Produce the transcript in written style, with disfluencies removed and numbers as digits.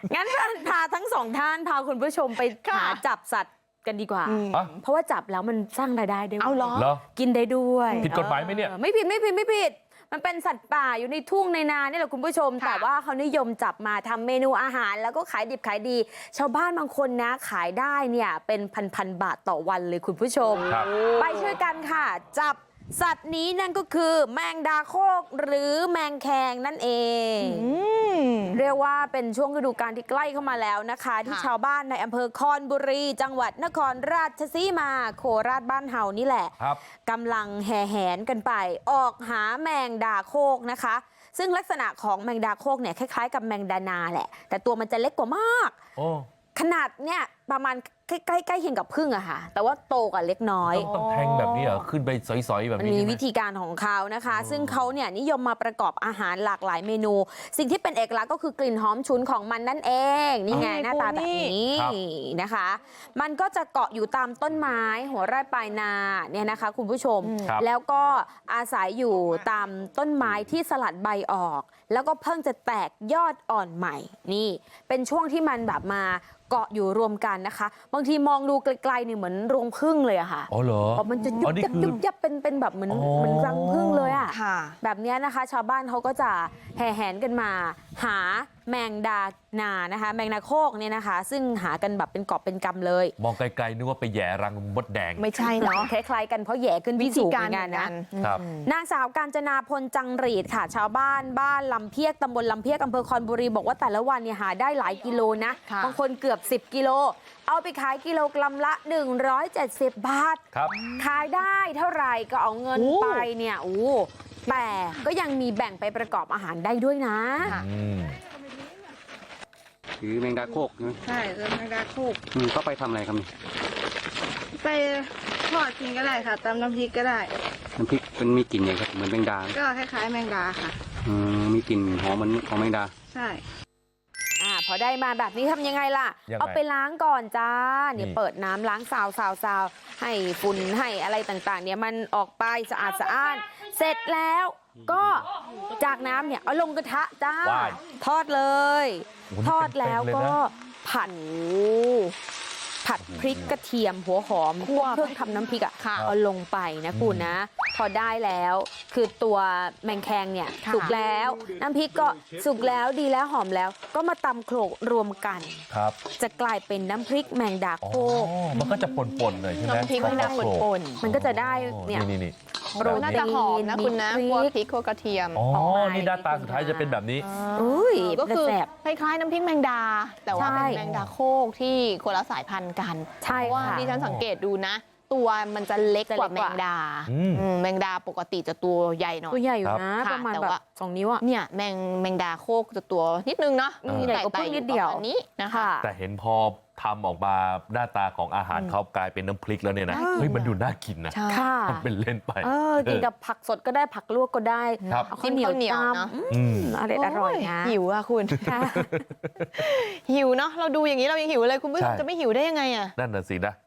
งั้นพาทั้งสองท่านพาคุณผู้ชมไปหาจับสัตว์กันดีกว่า เพราะว่าจับแล้วมันสร้างรายได้ด้วยเอาเหรอกินได้ด้วยผิดกฎหมายไหมเนี่ยไม่ผิดมันเป็นสัตว์ป่าอยู่ในทุ่งในนานี่แหละคุณผู้ชมแต่ว่าเขานิยมจับมาทำเมนูอาหารแล้วก็ขายดิบขายดี ชาวบ้านบางคนนะขายได้เนี่ยเป็นพันบาทต่อวันเลยคุณผู้ชมไปช่วยกันค่ะจับสัตว์นี้นั่นก็คือแมงดาโคกหรือแมงแคงนั่นเองเรียกว่าเป็นช่วงฤดูกาลที่ใกล้เข้ามาแล้วนะคะที่ชาวบ้านในอำเภอคอนบุรีจังหวัดนครราชสีมาโคราชบ้านเฮานี่แหละกำลังแห่แหนกันไปออกหาแมงดาโคกนะคะซึ่งลักษณะของแมงดาโคกเนี่ยคล้ายๆกับแมงดานาแหละแต่ตัวมันจะเล็กกว่ามากขนาดเนี่ยประมาณใกล้เคียงกับผึ้งอะค่ะแต่ว่าโตกว่าเล็กน้อยต้องแทงแบบนี้เหรอขึ้นไปสอยๆแบบนี้มันมีวิธีการของเขานะคะซึ่งเขาเนี่ยนิยมมาประกอบอาหารหลากหลายเมนูสิ่งที่เป็นเอกลักษณ์ก็คือกลิ่นหอมฉุนของมันนั่นเองนี่ไงหน้าตาแบบนี้นะคะมันก็จะเกาะอยู่ตามต้นไม้หัวไร่ปลายนาเนี่ยนะคะคุณผู้ชมแล้วก็อาศัยอยู่ตามต้นไม้ที่สลัดใบออกแล้วก็เพิ่งจะแตกยอดอ่อนใหม่นี่เป็นช่วงที่มันแบบมาเกาะอยู่รวมกันนะคะบางทีมองดูไกลๆเนี่ยเหมือนรวงผึ้งเลยอะค่ะอ๋อเหรอมันจะยุบยับเป็นแบบเหมือนรังผึ้งเลยอะแบบนี้นะคะชาวบ้านเขาก็จะแห่แหนกันมาหาแมงดานานะคะแมงดาโคกเนี่ยนะคะซึ่งหากันแบบเป็นกอบเป็นกำเลยมองไกลๆนึกว่าไปแย่รังมดแดงไม่ใช่เนาะคล้ายๆกันเพราะแย่ขึ้นวิธีการงานนะครับนางสาวกาญจนาพลจังหรีดค่ะชาวบ้านลำเพียกตำบลลำเพียกอำเภอคอนบุรีบอกว่าแต่ละวันเนี่ยหาได้หลายกิโลนะบางคนเกือบ10กิโลเอาไปขายกิโลกรัมละ170 บาทขายได้เท่าไหร่ก็เอาเงินไปเนี่ยแต่ก็ยังมีแบ่งไปประกอบอาหารได้ด้วยนะคือแมงดาโคกใช่แมงดาโคกก็ไปทำอะไรครับนี่ไปทอดกินก็ได้ค่ะตำน้ำพริกก็ได้น้ำพริกมันมีกลิ่นยังไงครับเหมือนแมงดาก็คล้ายๆแมงดาค่ะมีกลิ่นหอมเหมือนของแมงดาใช่พอได้มาแบบนี้ทำยังไงล่ะเอาไปล้างก่อนจ้าเนี่ยเปิดน้ำล้างซาวให้ฝุ่นให้อะไรต่างๆเนี่ยมันออกไปสะอาดเสร็จแล้วก็จากน้ำเนี่ยเอาลงกระทะจ้าทอดเลยทอดแล้วก็ผัดพริกกระเทียมหัวหอมคั่วเครื่องทำน้ำพริกเอาลงไปนะคุณนะพอได้แล้วคือตัวแมงแคงเนี่ยสุกแล้วน้ำพริกก็สุกแล้วดีแล้วหอมแล้วก็มาตำโขลกรวมกันจะกลายเป็นน้ำพริกแมงดาโคกมันก็จะป่นๆเลยใช่ไหมน้ำพริกแมงดาป่นมันก็จะได้เนี่ยโรน่าจะหอมนะคุณนะคั่วพริกคั่วกระเทียมนี่หน้าตาสุดท้ายจะเป็นแบบนี้ก็คือคล้ายๆน้ำพริกแมงดาแต่ว่าเป็นแมงดาโคกที่คนละสายพันธุ์กันใช่ว่าที่ฉันสังเกตดูนะตัวมันจะเล็กกว่าแมงดาแมงดาปกติจะตัวใหญ่หน่อยตัวใหญ่อยู่นะประมาณแบบ2 นิ้วเนี่ยแมงดาโคกจะตัวนิดนึงเนาะใหญ่กว่าเพิ่งนิดเดียวนี้นะคะแต่เห็นพอทำออกมาหน้าตาของอาหารเขากลายเป็นน้ำพริกแล้วเนี่ยนะเฮ้ยมันดูน่ากินนะทำเป็นเล่นไปกินกับผักสดก็ได้ผักลวกก็ได้ข้าวเหนียวเนาะอร่อยนะหิวอ่ะคุณหิวเนาะเราดูอย่างนี้เรายังหิวเลยคุณผู้ชมจะไม่หิวได้ยังไงอ่ะนั่นน่ะสินะ